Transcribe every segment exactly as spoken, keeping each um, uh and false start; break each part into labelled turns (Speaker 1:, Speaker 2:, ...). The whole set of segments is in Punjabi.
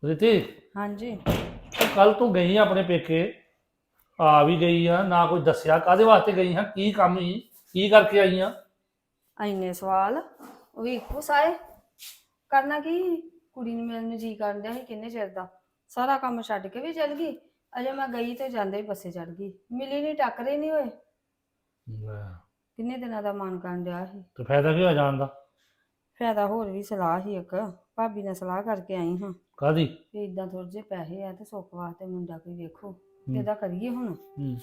Speaker 1: रिति
Speaker 2: हाँ जी।
Speaker 1: तो कल तू गई अपने पेके आ भी गई आ ना कुछ दसिया कादे वास्ते गई हाँ की काम ही की करके आई हाँ
Speaker 2: इन्ने सवाल ਉਹ ਵੀ ਇੱਕੋ ਸਾਰੇ ਕਰਨਾ ਕੀ ਕੁੜੀ ਨੂੰ ਮਿਲਣ ਨੂੰ ਜੀ ਕਰਨ ਡਿਆ ਸੀ ਕਿੰਨੇ ਚਿਰ ਦਾ ਸਾਰਾ ਕੰਮ ਛੱਡ ਕੇ ਵੀ ਚਲ ਗਈ ਅਜੇ ਮੈਂ ਗਈ ਤੇ ਜਾਂਦੇ ਹੀ ਬੱਸੇ ਚੜ ਗਈ ਮਿਲੀ ਨਹੀਂ ਟੱਕਰੇ ਨਹੀਂ ਹੋਏ ਕਿੰਨੇ ਦਿਨਾਂ ਦਾ ਮਨ ਕਰਨ ਡਿਆ ਸੀ
Speaker 1: ਤੇ ਫਾਇਦਾ ਕੀ ਹੋ ਜਾਣ ਦਾ
Speaker 2: ਫਾਇਦਾ ਹੋਰ ਵੀ ਸਲਾਹ ਸੀ ਇੱਕ ਭਾਬੀ ਨਾਲ ਸਲਾਹ ਕਰਕੇ ਆਈ ਹਾਂ
Speaker 1: ਕਾਦੀ
Speaker 2: ਵੀ ਇਦਾਂ ਥੋੜੇ ਜਿਹੇ ਪੈਸੇ ਆ ਤੇ ਸੁੱਖ ਵਾਸਤੇ ਮੁੰਡਾ ਕੋਈ ਵੇਖੋ ਇਹਦਾ ਕਰੀਏ ਹੁਣ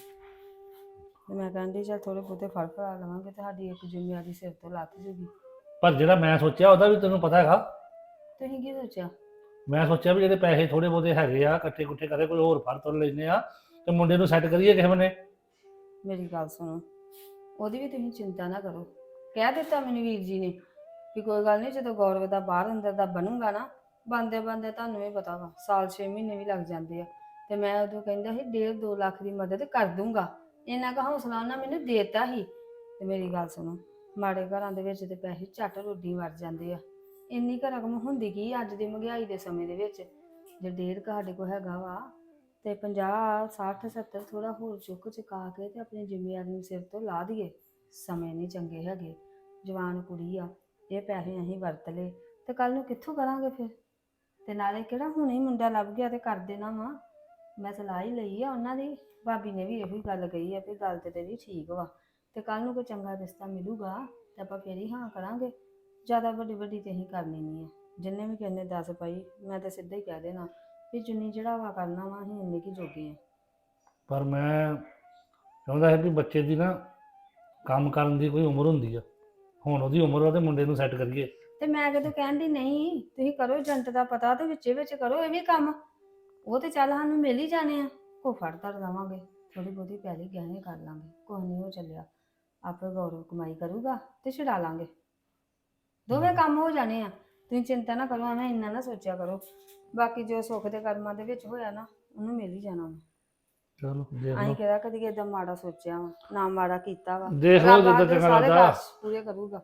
Speaker 2: ਤੇ ਮੈਂ ਕਹਿੰਦੀ ਚਲ ਥੋੜੇ ਬਹੁਤੇ ਫੜ ਫੜਾ ਲਵਾਂਗੇ ਤੇ ਸਾਡੀ ਇੱਕ ਜ਼ਿੰਮੇਵਾਰੀ ਸਿਰ ਤੋਂ ਲੱਥ ਜੂਗੀ
Speaker 1: ਪਰ ਜਿਹੜਾ ਮੈਂ ਸੋਚਿਆ ਉਹਦਾ ਵੀ ਤੈਨੂੰ ਪਤਾ ਹੈਗਾ
Speaker 2: ਤੁਸੀਂ ਕੀ ਸੋਚਿਆ
Speaker 1: ਮੈਂ ਸੋਚਿਆ ਵੀ ਜਿਹੜੇ ਪੈਸੇ ਥੋੜੇ ਬਹੁਤੇ ਹੈਗੇ ਆ ਇਕੱਠੇ ਕੁੱਠੇ ਕਰੇ ਕੋਈ ਹੋਰ ਫੜ ਤੁਰ ਲੈਨੇ ਆ ਤੇ ਮੁੰਡੇ ਨੂੰ ਸੈੱਟ ਕਰੀਏ ਕਿਸੇ ਬੰਨੇ
Speaker 2: ਮੇਰੀ ਗੱਲ ਸੁਣੋ ਉਹਦੀ ਵੀ ਤੁਸੀਂ ਚਿੰਤਾ ਨਾ ਕਰੋ ਕਹਿ ਦਿੱਤਾ ਮੈਨੂੰ ਵੀਰ ਜੀ ਨੇ ਵੀ ਕੋਈ ਗੱਲ ਨਹੀਂ ਜਦੋਂ ਗੌਰਵ ਦਾ ਬਾਹਰ ਅੰਦਰ ਦਾ ਬਣੂਗਾ ਨਾ ਬੰਦੇ ਬੰਦੇ ਤੁਹਾਨੂੰ ਵੀ ਪਤਾ ਵਾ ਸਾਲ ਛੇ ਮਹੀਨੇ ਵੀ ਲੱਗ ਜਾਂਦੇ ਆ ਤੇ ਮੈਂ ਉਦੋਂ ਕਹਿੰਦਾ ਸੀ ਡੇਢ ਦੋ ਲੱਖ ਦੀ ਮਦਦ ਕਰ ਦੂੰਗਾ ਇੰਨਾ ਕੁ ਹੌਸਲਾ ਉਹਨਾਂ ਮੈਨੂੰ ਦੇਤਾ ਸੀ ਤੇ ਮੇਰੀ ਗੱਲ ਸੁਣੋ ਮਾੜੇ ਘਰਾਂ ਦੇ ਵਿੱਚ ਤੇ ਪੈਸੇ ਝੱਟ ਰੋਡੀ ਮਰ ਜਾਂਦੇ ਆ ਇੰਨੀ ਕੁ ਰਕਮ ਹੁੰਦੀ ਕੀ ਅੱਜ ਦੀ ਮਹਿੰਗਾਈ ਦੇ ਸਮੇਂ ਦੇ ਵਿੱਚ ਜੇ ਡੇਢ ਕੁ ਸਾਡੇ ਕੋਲ ਹੈਗਾ ਵਾ ਤੇ ਪੰਜਾਹ ਸੱਠ ਸੱਤਰ ਥੋੜਾ ਹੋਰ ਚੁੱਕ ਚੁਕਾ ਕੇ ਤੇ ਆਪਣੀ ਜ਼ਿੰਮੇਵਾਰੀ ਨੂੰ ਸਿਰ ਤੋਂ ਲਾ ਦਈਏ ਸਮੇਂ ਨਹੀਂ ਚੰਗੇ ਹੈਗੇ ਜਵਾਨ ਕੁੜੀ ਆ ਇਹ ਪੈਸੇ ਅਸੀਂ ਵਰਤ ਲਏ ਤੇ ਕੱਲ ਨੂੰ ਕਿੱਥੋਂ ਕਰਾਂਗੇ ਫਿਰ ਤੇ ਨਾਲੇ ਕਿਹੜਾ ਹੁਣੇ ਹੀ ਮੁੰਡਾ ਲੱਭ ਗਿਆ ਤੇ ਕਰ ਦੇਣਾ ਵਾ ਮੈਂ ਸਲਾਹ ਹੀ ਲਈ ਆ ਉਹਨਾਂ ਦੀ ਭਾਬੀ ਨੇ ਵੀ ਇਹੋ ਹੀ ਗੱਲ ਕਹੀ ਆ ਵੀ ਗੱਲ ਤੇ ਤੇਰੀ ਠੀਕ ਵਾ ਤੇ ਕੱਲ ਨੂੰ ਕੋਈ ਚੰਗਾ ਰਿਸ਼ਤਾ ਮਿਲੂਗਾ ਤੇ ਆਪਾਂ ਫੇਰ ਹੀ ਹਾਂ ਕਰਾਂਗੇ ਜ਼ਿਆਦਾ ਵੱਡੀ ਵੱਡੀ ਤੇ ਅਸੀਂ ਕਰਨੀ ਨਹੀਂ ਆ ਜਿੰਨੇ ਵੀ ਕਹਿੰਦੇ ਦੱਸ ਪਾਈ ਮੈਂ ਤਾਂ ਸਿੱਧਾ ਹੀ ਕਹਿ ਦੇਣਾ ਵੀ ਜਿੰਨੀ ਚੜਾਵਾ ਕਰਨਾ ਵਾ ਅਸੀਂ ਇੰਨੇ ਕੀ ਜੋਗੇ ਆ
Speaker 1: ਪਰ ਮੈਂ ਚਾਹੁੰਦਾ ਹੈ ਵੀ ਬੱਚੇ ਦੀ ਨਾ ਕੰਮ ਕਰਨ ਦੀ ਕੋਈ ਉਮਰ ਹੁੰਦੀ ਆ ਹੁਣ ਉਹਦੀ ਉਮਰ ਆ ਤੇ ਮੁੰਡੇ ਨੂੰ ਸੈੱਟ ਕਰੀਏ
Speaker 2: ਤੇ ਮੈਂ ਕਦੋਂ ਕਹਿਣ ਦੀ ਨਹੀਂ ਤੁਸੀਂ ਕਰੋ ਏਜੰਟ ਦਾ ਪਤਾ ਤੇ ਵਿੱਚੇ ਵਿੱਚ ਕਰੋ ਇਹ ਵੀ ਕੰਮ ਉਹ ਤੇ ਚੱਲ ਸਾਨੂੰ ਮਿਲ ਹੀ ਜਾਣੇ ਆ ਕੋ ਫੜ ਧੜ ਲਵਾਂਗੇ ਥੋੜੀ ਬਹੁਤੀ ਪਹਿਲੇ ਗਹਿਣੇ ਕਰ ਲਾਂਗੇ ਕੋਈ ਨਹੀਂ ਉਹ ਚੱਲਿਆ ਆਪੇ ਗੌਰਵ ਕਮਾਈ ਕਰੂਗਾ ਤੇ ਛਡਾ ਲਾਂਗੇ ਦੋਵੇਂ ਕੰਮ ਹੋ ਜਾਣੇ ਆ ਤੁਸੀਂ ਚਿੰਤਾ ਨਾ ਕਰੋ ਐਵੇਂ ਇੰਨਾ ਨਾ ਸੋਚਿਆ ਕਰੋ ਬਾਕੀ ਜੋ ਸੁੱਖ ਦੇ ਕਰਮਾਂ ਦੇ ਵਿੱਚ ਹੋਇਆ ਨਾ ਉਹਨੂੰ ਮਿਲ ਹੀ ਜਾਣਾ ਵਾ
Speaker 1: ਚਲੋ ਦੇਖ
Speaker 2: ਅਸੀਂ
Speaker 1: ਲਓ
Speaker 2: ਕਿਹੜਾ ਕਦੀ ਏਦਾਂ ਮਾੜਾ ਸੋਚਿਆ ਵਾ ਨਾ ਮਾੜਾ ਕੀਤਾ ਵਾ
Speaker 1: ਦੇਖ ਲਓ
Speaker 2: ਰੱਬ
Speaker 1: ਜਿੱਦਾਂ
Speaker 2: ਆਪੇ
Speaker 1: ਚੰਗਾ
Speaker 2: ਸਾਰੇ
Speaker 1: ਲੱਗਦਾ
Speaker 2: ਕਾਰਜ ਪੂਰੇ ਕਰੂਗਾ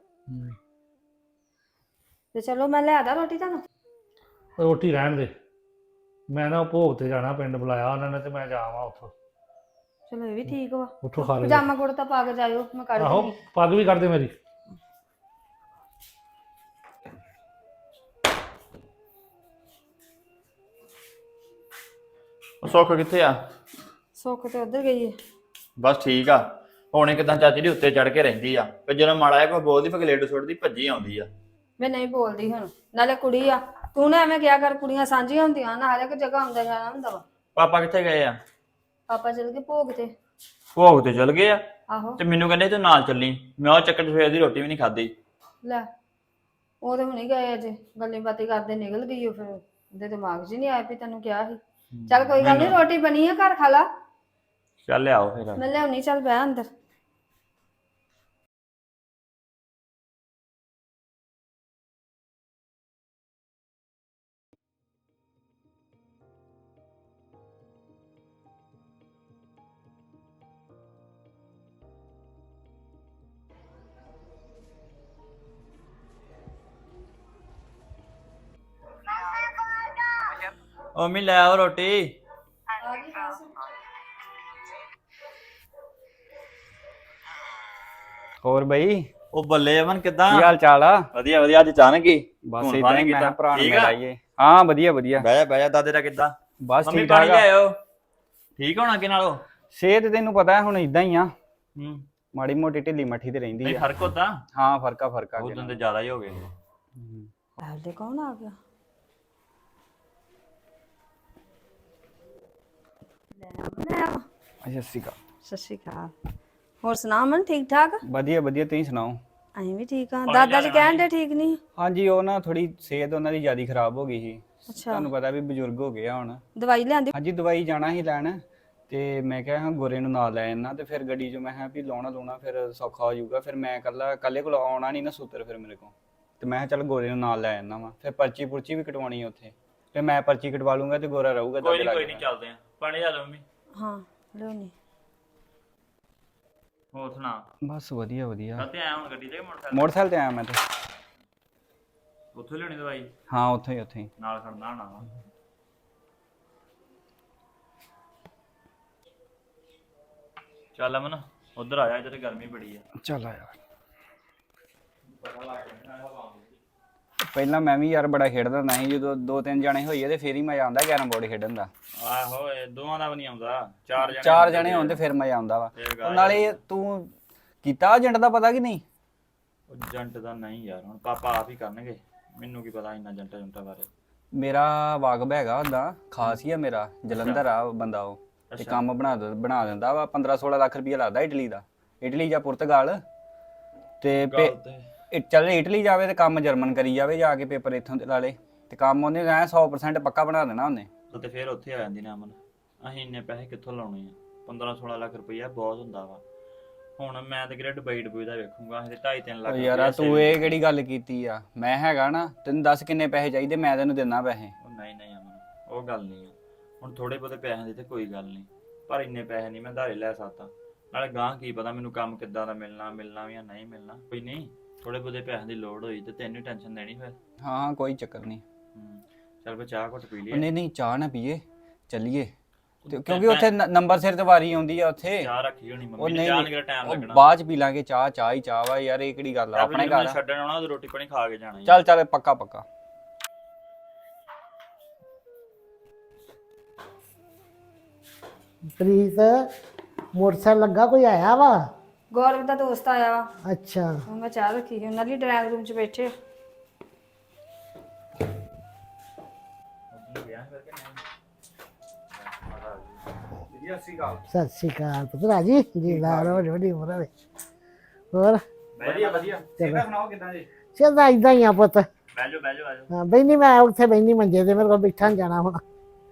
Speaker 2: ਤੇ ਚਲੋ ਮੈਂ ਲਿਆ ਦਾਂ ਰੋਟੀ ਤੁਹਾਨੂੰ
Speaker 1: ਰੋਟੀ ਰਹਿਣ ਦੇ ਮੈਂ ਨਾ ਭੋਗ ਤੇ ਜਾਣਾ ਪਿੰਡ ਬੁਲਾਇਆ ਉਹਨਾਂ ਨੇ ਤੇ ਮੈਂ ਜਾਵਾਂ ਉੱਥੋਂ
Speaker 2: ਚਲੋ ਇਹ ਵੀ ਠੀਕ ਵਾ
Speaker 1: ਉੱਥੋਂ ਖਾ ਲਿਓ
Speaker 2: ਪਜਾਮਾ ਕੁੜਤਾ ਪਾ ਕੇ ਜਾਇਓ ਮੈਂ ਕੱਢ
Speaker 1: ਆਹੋ
Speaker 2: ਦੂੰਗੀ
Speaker 1: ਪੱਗ ਵੀ ਕਰ ਦੇ ਮੇਰੀ
Speaker 3: ਉਹ ਸੁੱਖ ਕਿੱਥੇ ਆ
Speaker 2: ਸੁੱਖ ਤੇ ਉਧਰ ਗਈ ਹੈ
Speaker 3: ਬਸ ਠੀਕ ਆ ਹੁਣੇ ਕਿਦਾਂ ਚਾਚੀ ਦੀ ਉੱਤੇ ਚੜ ਕੇ ਰਹਿੰਦੀ ਆ ਤੇ ਜਦੋਂ ਮਾੜਾ ਜਿਹਾ ਕੋਈ ਬੋਲਦੀ ਫਿਰ ਗਲੇਡ ਸੁੱਟਦੀ ਭੱਜੀ ਆਉਂਦੀ ਆ
Speaker 2: ਮੈਂ ਨਹੀਂ ਬੋਲਦੀ ਹੁਣ ਨਾਲੇ ਕੁੜੀ ਆ ਤੂੰ ਨਾ ਐਵੇਂ ਕਿਹਾ ਕਰ ਕੁੜੀਆਂ ਸਾਂਝੀਆਂ ਹੁੰਦੀਆਂ ਨਾ ਹਰ ਇੱਕ ਜਗ੍ਹਾ ਆਉਂਦਾ ਜਾਣਾ ਹੁੰਦਾ ਵਾ
Speaker 3: ਪਾਪਾ ਕਿੱਥੇ ਗਏ ਆ
Speaker 2: ਪਾਪਾ ਚਲ ਗਏ ਭੋਗ ਤੇ
Speaker 3: ਭੋਗ ਤੇ ਚਲ ਗਏ ਆ
Speaker 2: ਆਹੋ
Speaker 3: ਤੇ ਮੈਨੂੰ ਕਹਿੰਦੇ ਤੂੰ ਨਾਲ ਚੱਲੀ ਮੈਂ ਉਹ ਚੱਕਰ 'ਚ ਸਵੇਰ ਦੀ ਰੋਟੀ ਵੀ ਨਹੀਂ ਖਾਧੀ
Speaker 2: ਲੈ ਉਹ ਤੇ ਹੁਣੇ ਗਏ ਅਜੇ ਗੱਲਾਂ ਬਾਤਾਂ ਕਰਦੇ ਨਿਕਲ ਗਈ ਉਹ ਫਿਰ ਉਹਦੇ ਦਿਮਾਗ 'ਚ ਨਹੀਂ ਆਇਆ ਵੀ ਤੈਨੂੰ ਕਿਹਾ ਸੀ ਚੱਲ ਕੋਈ ਗੱਲ ਨਹੀਂ ਰੋਟੀ ਬਣੀ ਆ ਘਰ ਖਾ ਲਾ
Speaker 3: ਚੱਲ ਲਿਆਓ ਫਿਰ
Speaker 2: ਮੈਂ ਲਿਆਉਣੀ ਚੱਲ ਬਹਿ ਅੰਦਰ
Speaker 3: ਉਹ ਮੰਮੀ ਲੈ ਆਓ ਰੋਟੀ
Speaker 4: ਹੋਰ ਬਈ
Speaker 3: ਉਹ ਬੱਲੇ ਅਮਨ ਕਿੱਦਾਂ
Speaker 4: ਕੀ ਹਾਲ ਚਾਲ ਆ
Speaker 3: ਵਧੀਆ ਵਧੀਆ ਅੱਜ ਅਚਾਨਕ ਹੀ
Speaker 4: ਬਸ
Speaker 3: ਫੋਨ
Speaker 4: ਇਦਾਂ
Speaker 3: ਫਾਨ
Speaker 4: ਹੀ ਮੈਂ
Speaker 3: ਕੀਤਾ।
Speaker 4: ਭਰਾ ਨੂੰ
Speaker 3: ਠੀਕ ਆ?
Speaker 4: ਮਿਲਾਈਏ ਹਾਂ ਵਧੀਆ ਵਧੀਆ
Speaker 3: ਬਹਿ ਜਾ ਬਹਿ ਜਾ ਦਾਦੇ ਦਾ ਕਿੱਦਾਂ
Speaker 4: ਬਸ
Speaker 3: ਮੰਮੀ
Speaker 4: ਠੀਕ
Speaker 3: ਪਾਣੀ
Speaker 4: ਠਾਕ ਆ
Speaker 3: ਲਿਆਇਓ ਠੀਕ ਹੋਣਾ ਕਿ ਨਾਲੋਂ
Speaker 4: ਸਿਹਤ ਤੈਨੂੰ ਪਤਾ ਹੁਣ ਇਦਾਂ ਹੀ ਆ
Speaker 3: ਹੂੰ
Speaker 4: ਮਾੜੀ ਮੋਟੀ ਢਿੱਲੀ ਮੱਠੀ ਤੇ ਰਹਿੰਦੀ
Speaker 3: ਨਹੀਂ
Speaker 4: ਆ
Speaker 3: ਫਰਕ ਹੁੰਦਾ
Speaker 4: ਹਾਂ ਫਰਕਾ ਫਰਕਾ
Speaker 3: ਉਹ ਦਿਨ ਤੇ ਜ਼ਿਆਦਾ ਹੀ ਹੋ ਗਏ
Speaker 2: ਪਹਿਲੇ ਕੌਣ ਆ ਗਿਆ
Speaker 4: ਅੱਛਾ ਸਿਕਾ
Speaker 2: ਸਤਿ ਸ਼੍ਰੀ ਅਕਾਲ ਹੋਰ ਸੁਣਾ ਮਨ ਠੀਕ ਠਾਕ
Speaker 4: ਵਧੀਆ ਵਧੀਆ ਤੁਸੀਂ ਸੁਣਾਓ
Speaker 2: ਅਸੀਂ ਵੀ ਠੀਕ ਆ ਦਾਦਾ ਜੀ ਕਹਿਣ ਦੇ ਠੀਕ ਨਹੀਂ
Speaker 4: ਹਾਂਜੀ ਉਹ ਨਾ ਥੋੜੀ ਸਿਹਤ ਉਹਨਾਂ ਦੀ ਜਿਆਦਾ ਖਰਾਬ ਹੋ ਗਈ ਸੀ
Speaker 2: ਅੱਛਾ
Speaker 4: ਤੁਹਾਨੂੰ ਪਤਾ ਵੀ ਬਜ਼ੁਰਗ ਹੋ ਗਏ ਆ ਹੁਣ
Speaker 2: ਦਵਾਈ ਲਿਆਂਦੀ
Speaker 4: ਹਾਂਜੀ ਦਵਾਈ ਜਾਣਾ ਸੀ ਲੈਣ ਤੇ ਮੈਂ ਕਿਹਾ ਹਾਂ ਗੋਰੇ ਨੂੰ ਨਾਲ ਲੈ ਜਾਣਾ ਤੇ ਫਿਰ ਗੱਡੀ 'ਚ ਮੈਂ ਕਿਹਾ ਵੀ ਲਾਉਣਾ ਲਾਉਣਾ ਫਿਰ ਸੌਖਾ ਹੋ ਜਾਊਗਾ ਫਿਰ ਮੈਂ ਇਕੱਲਾ ਇਕੱਲੇ ਕੋਲ ਆਉਣਾ ਨਹੀਂ ਨਾ ਸੂਤਰ ਫਿਰ ਮੇਰੇ ਕੋਲ ਤੇ ਮੈਂ ਕਿਹਾ ਚੱਲ ਗੋਰੇ ਨੂੰ ਨਾਲ ਲੈ ਜਾਣਾ ਵਾ ਫਿਰ ਪਰਚੀ ਪੁਰਚੀ ਵੀ ਕਟਵਾਉਣੀ ਆ ਉੱਥੇ ਫਿਰ ਮੈਂ ਪਰਚੀ ਕਟਵਾ ਲੂੰਗਾ ਤੇ ਗੋਰਾ ਰਹੂਗਾ
Speaker 3: ਕੋਈ
Speaker 4: ਦਾਦੇ
Speaker 3: ਨਹੀਂ ਕੋਈ
Speaker 4: ਲਾਗੇ
Speaker 3: ਨਹੀਂ ਚੱਲਦੇ ਆ ਪਾਣੀ ਲਿਆ ਲਓ ਮੰਮੀ
Speaker 2: ਹਾਂ ਲਿਆਉਣੀ
Speaker 3: ਹੋਰ ਸੁਣਾ
Speaker 4: ਬਸ ਵਧੀਆ ਵਧੀਆ
Speaker 3: ਕਾਤੇ ਆਇਆ ਹੁਣ ਗੱਡੀ ਤੇ ਕਿ ਮੋਟਰਸਾਈਕਲ
Speaker 4: ਮੋਟਰਸਾਈਕਲ ਤੇ ਆਇਆ ਮੈਂ ਤੇ
Speaker 3: ਉੱਥੋਂ ਲਿਆਉਣੀ ਦਵਾਈ
Speaker 4: ਹਾਂ ਉੱਥੇ ਹੀ ਉੱਥੇ ਹੀ
Speaker 3: ਨਾਲ ਖੜਨਾ ਹੋਣਾ ਵਾ ਚੱਲ ਅਮਨ ਉਧਰ ਆ ਜਾ, ਇੱਧਰ ਗਰਮੀ ਬੜੀ ਆ।
Speaker 4: ਚੱਲ ਆ ਯਾਰ। ਪਹਿਲਾਂ ਮੈਂ ਵੀ ਯਾਰ ਬੜਾ ਖੇਡਦਾ ਹੁੰਦਾ ਸੀ, ਜਦੋਂ ਦੋ ਤਿੰਨ ਜਣੇ ਹੋਈਏ ਤੇ ਫੇਰ ਹੀ ਮਜ਼ਾ ਆਉਂਦਾ ਕੈਰਮ ਬੋਰਡ ਖੇਡਣ ਦਾ।
Speaker 3: ਆਹੋ ਇਹ ਦੋਵਾਂ ਦਾ ਵੀ ਨਹੀਂ ਆਉਂਦਾ, ਚਾਰ ਜਣੇ
Speaker 4: ਚਾਰ ਜਣੇ ਹੋਣ ਤੇ ਫਿਰ ਮਜ਼ਾ ਆਉਂਦਾ ਵਾ। ਉਹ ਨਾਲੇ ਤੂੰ ਕੀਤਾ ਏਜੰਟ ਦਾ ਪਤਾ ਕਿ ਨਹੀਂ?
Speaker 3: ਉਹ ਏਜੰਟ ਦਾ ਨਹੀਂ ਯਾਰ, ਹੁਣ ਪਾਪਾ ਆਪ ਹੀ ਕਰਨਗੇ, ਮੈਨੂੰ ਕੀ ਪਤਾ ਇੰਨਾ ਏਜੰਟਾਂ ਏਜੰਟਾਂ ਬਾਰੇ।
Speaker 4: ਮੇਰਾ ਵਾਕਬ ਹੈਗਾ ਉਹਦਾ, ਖਾਸ ਹੀ ਆ ਮੇਰਾ, ਜਲੰਧਰ ਆ ਬੰਦਾ ਉਹ, ਤੇ ਕੰਮ ਬਣਾ ਦ- ਬਣਾ ਦਿੰਦਾ ਵਾ। ਪੰਦਰਾਂ ਸੋਲਾਂ ਲੱਖ ਰੁਪਇਆ ਲੱਗਦਾ ਇਟਲੀ ਦਾ, ਇਟਲੀ ਜਾਂ ਪੁਰਤਗਾਲ ਤੇ ਪੇ-
Speaker 3: ਗੱਲ ਤੇ
Speaker 4: ਇਹ ਚੱਲ ਇਟਲੀ ਜਾਵੇ ਤੇ ਕੰਮ ਜਰਮਨ ਕਰੀ ਜਾਵੇ ਜਾ ਕੇ, ਪੇਪਰ ਇੱਥੋਂ ਦੇ ਲਾ ਲੇ ਤੇ ਕੰਮ ਉਹਨੇ ਐ ਸੌ ਪ੍ਰਸੈਂਟ ਪੱਕਾ ਬਣਾ ਦੇਣਾ ਉਹਨੇ।
Speaker 3: ਤੇ ਫਿਰ ਉੱਥੇ ਆ ਜਾਂਦੀ ਨਾ ਅਮਨ, ਅਸੀਂ ਇੰਨੇ ਪੈਸੇ ਕਿੱਥੋਂ ਲਾਉਣੇ ਆ? ਪੰਦਰਾਂ ਸੋਲਾਂ ਲੱਖ ਰੁਪਈਆ ਬਹੁਤ ਹੁੰਦਾ ਵਾ। ਹੁਣ ਮੈਂ ਤੇ ਕਿਹੜਾ ਦੁਬਈ ਡੁਬਈ ਦਾ ਵੇਖੂੰਗਾ, ਅਸੀਂ ਤੇ ਢਾਈ ਤਿੰਨ ਲੱਖ
Speaker 4: ਓ ਯਾਰਾ ਤੂੰ ਇਹ ਕਿਹੜੀ ਗੱਲ ਕੀਤੀ ਆ? ਮੈਂ ਹੈਗਾ ਨਾ, ਤੈਨੂੰ ਦੱਸ ਕਿੰਨੇ ਪੈਸੇ ਚਾਹੀਦੇ, ਮੈਂ ਤੈਨੂੰ ਦਿੰਦਾ ਪੈਸੇ।
Speaker 3: ਉਹ ਨਹੀਂ ਨਹੀਂ ਅਮਨ, ਉਹ ਗੱਲ ਨਹੀਂ ਆ। ਹੁਣ ਥੋੜੇ ਬਹੁਤੇ ਪੈਸਿਆਂ ਦੀ ਤੇ ਕੋਈ ਗੱਲ ਨਹੀਂ, ਪਰ ਇੰਨੇ ਪੈਸੇ ਨਹੀਂ ਮੈਂ ਧਾਰੇ ਲੈ ਸਕਦਾ। ਨਾਲੇ ਗਾਂ ਕੀ ਪਤਾ ਮੈਨੂੰ ਕੰਮ ਕਿੱਦਾਂ ਦਾ ਮਿਲਣਾ ਮਿਲਣਾ ਵੀ ਜਾਂ ਨਹੀਂ ਮਿਲਣਾ। ਕੋਈ ਨਹੀਂ, ਥੋੜੇ ਬਹੁਤੇ ਪੈਸਿਆਂ ਦੀ ਲੋੜ ਹੋਈ ਤੇ ਤੈਨੂੰ ਟੈਨਸ਼ਨ ਦੇਣੀ ਫਿਰ।
Speaker 4: ਹਾਂ ਹਾਂ ਕੋਈ ਚੱਕਰ ਨਹੀਂ।
Speaker 3: ਹੂੰ ਚੱਲ ਬਈ ਚਾਹ ਘੁੱਟ ਪੀ
Speaker 4: ਉਹ
Speaker 3: ਲਈਏ।
Speaker 4: ਨਹੀਂ ਨਹੀਂ ਚਾਹ ਨਾ ਪੀਏ, ਚੱਲੀਏ ਤੇ ਕਿਉਂਕਿ ਉੱਥੇ ਨ- ਨੰਬਰ ਸਿਰ ਤੇ ਵਾਰੀ ਆਉਂਦੀ ਆ ਉੱਥੇ।
Speaker 3: ਚਾਹ ਰੱਖੀ ਹੋਣੀ
Speaker 4: ਉਹ
Speaker 3: ਮੰਮੀ ਨੇ,
Speaker 4: ਨਹੀਂ
Speaker 3: ਚਾਹ
Speaker 4: ਨਹੀਂ,
Speaker 3: ਨੂੰ ਟਾਈਮ
Speaker 4: ਉਹ
Speaker 3: ਲੱਗਣਾ।
Speaker 4: ਬਾਅਦ ਚ ਪੀ ਲਾਂਗੇ ਚਾਹ, ਚਾਹ ਹੀ ਚਾਹ ਵਾ ਯਾਰ, ਇਹ ਕਿਹੜੀ ਗੱਲ ਆ ਆਪਣੇ ਘਰ ਆ।
Speaker 3: ਛੱਡਣ ਆਉਣਾ ਤੇ ਰੋਟੀ ਪਾਣੀ ਖਾ ਕੇ ਜਾਣਾ ਈ।
Speaker 4: ਚੱਲ ਚੱਲ ਪੱਕਾ ਪੱਕਾ।
Speaker 5: ਪ੍ਰੀਤ ਮੋਟਰਸਾਈਕਲ ਲੱਗਾ, ਕੋਈ ਆਇਆ ਵਾ?
Speaker 2: ਗੌਰਵ ਦਾ ਦੋਸਤ ਆਇਆ ਵਾ,
Speaker 5: ਅੱਛਾ
Speaker 2: ਹੁਣ ਮੈਂ ਚਾਹ ਰੱਖੀ ਸੀ, ਉਹਨਾਂ ਲਈ ਡਰਾਈਵਿੰਗ ਰੂਮ 'ਚ ਬੈਠੇ।
Speaker 5: ਸਤਿ ਸ਼੍ਰੀ ਅਕਾਲ ਪੁੱਤ ਰਾਜੀ ਜੀ, ਲਾ ਰੋ ਵੱਡੀ ਉਮਰ ਹੋਵੇ। ਹੋਰ
Speaker 3: ਵਧੀਆ ਵਧੀਆ।
Speaker 5: ਚਲੋ
Speaker 3: ਸੁਣਾਓ ਕਿਦਾਂ ਜੀ?
Speaker 5: ਚੱਲਦਾ ਇਦਾਂ ਹੀ ਆ ਪੁੱਤ।
Speaker 3: ਬਹਿ ਜਾਓ ਬਹਿ ਜਾਓ ਆ ਜਾਓ।
Speaker 5: ਹਾਂ ਬੈਣੀ, ਮੈਂ ਉੱਥੇ ਬੈਣੀ ਮੰਜੇ ਤੇ, ਮੇਰੇ ਕੋਲ ਬੈਠਾ ਨੀ ਜਾਣਾ ਹੁਣ।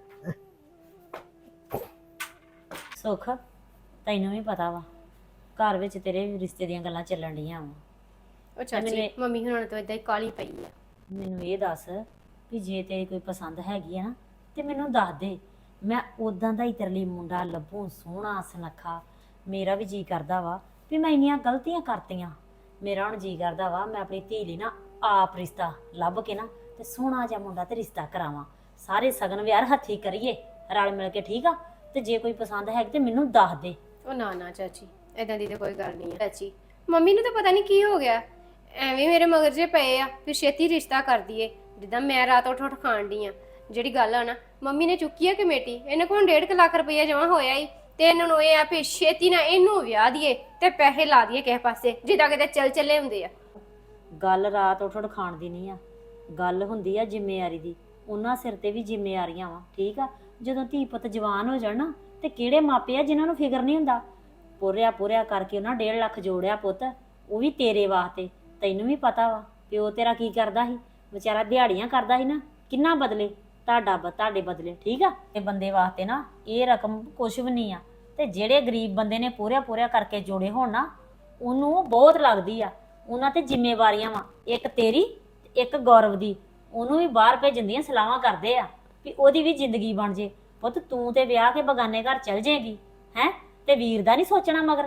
Speaker 6: ਸੁੱਖ, ਤੈਨੂੰ ਵੀ ਪਤਾ ਵਾ ਘਰ ਵਿੱਚ ਤੇਰੇ ਰਿਸ਼ਤੇ ਦੀਆਂ ਗੱਲਾਂ ਚੱਲਣ ਡੀਆਂ ਵਾ।
Speaker 7: ਉਹ ਚਾਚੀ ਮੰਮੀ ਹੁਣਾਂ ਤੋਂ ਇਦਾਂ ਹੀ ਕਾਲੀ ਪਈ ਆ।
Speaker 6: ਮੈਨੂੰ ਇਹ ਦੱਸ ਵੀ ਜੇ ਤੇਰੀ ਕੋਈ ਪਸੰਦ ਹੈਗੀ ਆ ਨਾ ਤੇ ਮੈਨੂੰ ਦੱਸ ਦੇ, ਮੈਂ ਉਦਾਂ ਦਾ ਹੀ ਤੇਰੇ ਲਈ ਮੁੰਡਾ ਲੱਭੂ, ਸੋਹਣਾ ਸੁਨੱਖਾ। ਮੇਰਾ ਵੀ ਜੀ ਕਰਦਾ ਵਾ ਵੀ ਮੈਂ ਇੰਨੀਆਂ ਗਲਤੀਆਂ ਕਰਤੀਆਂ, ਮੇਰਾ ਹੁਣ ਜੀ ਕਰਦਾ ਵਾ ਮੈਂ ਆਪਣੀ ਧੀ ਲਈ ਨਾ ਆਪ ਰਿਸ਼ਤਾ ਲੱਭ ਕੇ ਨਾ ਤੇ ਸੋਹਣਾ ਜਿਹਾ ਮੁੰਡਾ ਤੇ ਰਿਸ਼ਤਾ ਕਰਾਵਾਂ, ਸਾਰੇ ਸਗਨ ਵਿਆਹ ਹੱਥੀ ਕਰੀਏ ਰਲ ਮਿਲ ਕੇ, ਠੀਕ ਆ? ਤੇ ਜੇ ਕੋਈ ਪਸੰਦ ਹੈਗੀ ਤੇ ਮੈਨੂੰ ਦੱਸ ਦੇ।
Speaker 7: ਉਹ ਨਾ ਨਾ ਚਾਚੀ, ਏਦਾਂ ਦੀ ਤਾਂ ਕੋਈ ਗੱਲ ਨਹੀਂ ਹੈ ਚਾਚੀ। ਮੰਮੀ ਨੂੰ ਤਾਂ ਪਤਾ ਨਹੀਂ ਕੀ ਹੋ ਗਿਆ, ਐਵੇਂ ਮੇਰੇ ਮਗਰ ਜੇ ਪਏ ਆ ਫਿਰ ਛੇਤੀ ਰਿਸ਼ਤਾ ਕਰ ਦਈਏ, ਜਿੱਦਾਂ ਮੈਂ ਰਾਤ ਉੱਠ ਉੱਠ ਖਾਣ ਡਈ ਆ। ਜਿਹੜੀ ਗੱਲ ਆ ਨਾ, ਮੰਮੀ ਨੇ ਚੁੱਕੀ ਆ ਕਮੇਟੀ, ਇਹਨੇ ਕੋਲ ਡੇਢ ਕੁ ਲੱਖ ਰੁਪਈਆ ਜਮਾ ਹੋਇਆ ਹੀ, ਤੇ ਇਹਨਾਂ ਨੂੰ ਇਹ ਆ ਵੀ ਛੇਤੀ ਨਾ ਇਹਨੂੰ ਵਿਆਹ ਦਈਏ ਤੇ ਪੈਸੇ ਲਾ ਦਈਏ ਕਿਸੇ ਪਾਸੇ, ਜਿੱਦਾਂ ਕਿਤੇ ਚੱਲ ਚੱਲੇ ਹੁੰਦੇ ਆ।
Speaker 6: ਗੱਲ ਰਾਤ ਉੱਠ ਉੱਠ ਖਾਣ ਦੀ ਨਹੀਂ ਆ, ਗੱਲ ਹੁੰਦੀ ਆ ਜ਼ਿੰਮੇਵਾਰੀ ਦੀ। ਉਹਨਾਂ ਸਿਰ ਤੇ ਵੀ ਜ਼ਿੰਮੇਵਾਰੀਆਂ ਵਾ, ਠੀਕ ਆ? ਜਦੋਂ ਧੀ ਪੁੱਤ ਜਵਾਨ ਹੋ ਜਾਣ ਨਾ ਤੇ ਕਿਹੜੇ ਮਾਪੇ ਆ ਜਿਨ੍ਹਾਂ ਨੂੰ ਫਿਕਰ ਨਹੀਂ ਹੁੰਦਾ। ਪੂਰਿਆ ਪੂਰਿਆ ਕਰਕੇ ਉਹਨਾਂ ਡੇਢ ਲੱਖ ਜੋੜਿਆ ਪੁੱਤ, ਉਹ ਵੀ ਤੇਰੇ ਵਾਸਤੇ। ਤੈਨੂੰ ਵੀ ਪਤਾ ਵਾ ਪਿਓ ਤੇਰਾ ਕੀ ਕਰਦਾ ਸੀ, ਵਿਚਾਰਾ ਦਿਹਾੜੀਆਂ ਕਰਦਾ ਸੀ ਨਾ, ਕਿੰਨਾ ਬਦਲੇ ਤੁਹਾਡਾ ਬ ਤੁਹਾਡੇ ਬਦਲੇ, ਠੀਕ ਆ? ਤੇ ਬੰਦੇ ਵਾਸਤੇ ਨਾ ਇਹ ਰਕਮ ਕੁਛ ਵੀ ਨਹੀਂ ਆ, ਤੇ ਜਿਹੜੇ ਗਰੀਬ ਬੰਦੇ ਨੇ ਪੂਰਿਆ ਪੂਰਿਆ ਕਰਕੇ ਜੋੜੇ ਹੋਣ ਨਾ, ਉਹਨੂੰ ਉਹ ਬਹੁਤ ਲੱਗਦੀ ਆ। ਉਹਨਾਂ ਤੇ ਜ਼ਿੰਮੇਵਾਰੀਆਂ ਵਾ, ਇੱਕ ਤੇਰੀ ਤੇ ਇੱਕ ਗੌਰਵ ਦੀ। ਉਹਨੂੰ ਵੀ ਬਾਹਰ ਭੇਜਣ ਦੀਆਂ ਸਲਾਹਾਂ ਕਰਦੇ ਆ ਵੀ ਉਹਦੀ ਵੀ ਜ਼ਿੰਦਗੀ ਬਣ ਜੇ। ਪੁੱਤ ਤੂੰ ਤੇ ਵਿਆਹ ਕੇ ਬਗਾਨੇ ਘਰ ਚਲ ਜਾਏਗੀ ਹੈ, ਤੇ ਵੀਰ ਦਾ ਨਹੀਂ ਸੋਚਣਾ ਮਗਰ।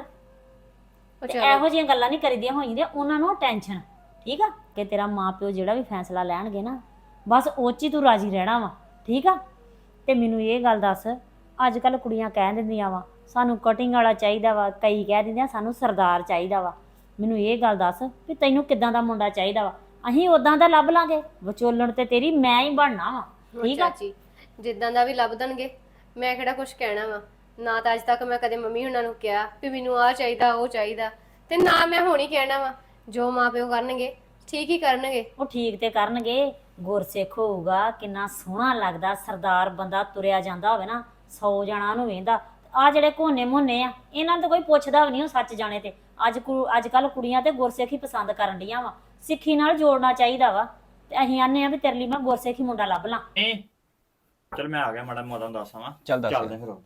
Speaker 6: ਤੇ ਇਹੋ ਜਿਹੀਆਂ ਗੱਲਾਂ ਨਹੀਂ ਕਰੀਦੀਆਂ ਹੋਈਆਂ ਉਹਨਾਂ ਨੂੰ ਟੈਨਸ਼ਨ, ਠੀਕ ਆ? ਕਿ ਤੇਰਾ ਮਾਂ ਪਿਓ ਜਿਹੜਾ ਵੀ ਫੈਸਲਾ ਲੈਣਗੇ ਨਾ, ਬਸ ਉਹ 'ਚ ਹੀ ਤੂੰ ਰਾਜੀ ਰਹਿਣਾ ਵਾ, ਠੀਕ ਆ? ਤੇ ਮੈਨੂੰ ਇਹ ਗੱਲ ਦੱਸ, ਅੱਜ ਕੱਲ ਕੁੜੀਆਂ ਕਹਿ ਦਿੰਦੀਆਂ ਵਾ ਸਾਨੂੰ ਕਟਿੰਗ ਵਾਲਾ ਚਾਹੀਦਾ ਵਾ, ਕਈ ਕਹਿ ਦਿੰਦੀਆਂ ਸਾਨੂੰ ਸਰਦਾਰ ਚਾਹੀਦਾ ਵਾ। ਮੈਨੂੰ ਇਹ ਗੱਲ ਦੱਸ ਵੀ ਤੈਨੂੰ ਕਿੱਦਾਂ ਦਾ ਮੁੰਡਾ ਚਾਹੀਦਾ ਵਾ? ਅਸੀਂ ਉਦਾਂ ਦਾ ਲੱਭ ਲਾਂਗੇ, ਵਿਚੋਲਣ ਤੇ ਤੇਰੀ ਮੈਂ ਹੀ ਬਣਨਾ ਵਾ, ਠੀਕ ਆ?
Speaker 7: ਚਾਚੀ ਜਿੱਦਾਂ ਦਾ ਵੀ ਲੱਭ ਦੇਣਗੇ, ਮੈਂ ਕਿਹੜਾ ਕੁਝ ਕਹਿਣਾ ਵਾ। ਨਾ ਤਾਂ ਅੱਜ ਤੱਕ ਮੈਂ ਕਦੇ ਮੰਮੀ ਹੁਣਾਂ ਨੂੰ ਕਿਹਾ ਵੀ ਮੈਨੂੰ ਆਹ ਚਾਹੀਦਾ ਉਹ ਚਾਹੀਦਾ, ਤੇ ਨਾ ਮੈਂ ਹੁਣ ਹੀ ਕਹਿਣਾ ਵਾ। ਜੋ ਮਾਂ ਪਿਓ ਕਰਨਗੇ ਠੀਕ ਹੀ ਕਰਨਗੇ।
Speaker 6: ਉਹ ਠੀਕ ਤੇ ਕਰਨਗੇ, ਗੁਰਸਿੱਖ ਹੋਊਗਾ, ਕਿੰਨਾ ਸੋਹਣਾ ਲੱਗਦਾ। ਸਰਦਾਰ ਬੰਦਾ ਤੁਰਿਆ ਜਾਂਦਾ ਹੋਵੇ ਨਾ, ਸੌ ਜਣਾ ਉਹਨੂੰ ਵੇਂਦਾ। ਆ ਜਿਹੜੇ ਕੋਨੇ ਮੋਨੇ ਆ, ਇਹਨਾਂ ਨੂੰ ਤਾਂ ਕੋਈ ਪੁੱਛਦਾ ਵੀ ਨਹੀਂ, ਉਹ ਸੱਚ ਜਾਣੇ ਤੇ। ਅੱਜ ਕੁ ਅੱਜ ਕੱਲ ਕੁੜੀਆਂ ਤੇ ਗੁਰਸਿੱਖ ਹੀ ਪਸੰਦ ਕਰਨ ਡੀਆਂ ਵਾ, ਸਿੱਖੀ ਨਾਲ ਜੋੜਨਾ ਚਾਹੀਦਾ ਵਾ। ਤੇ ਅਸੀਂ ਆਨੇ ਆ ਵੀ ਤੇਰੇ ਲਈ ਮੈਂ ਗੁਰਸਿੱਖ ਹੀ ਮੁੰਡਾ ਲੱਭ ਲਾਂ।
Speaker 3: ਨਹੀਂ ਚਲ ਮੈਂ ਆ ਗਿਆ, ਮਾੜਾ ਮੋਟਾ ਦੱਸਾਂ ਵਾ।
Speaker 4: ਚੱਲ ਦੱਸ।
Speaker 3: ਚੱਲਦੇ ਫਿਰ।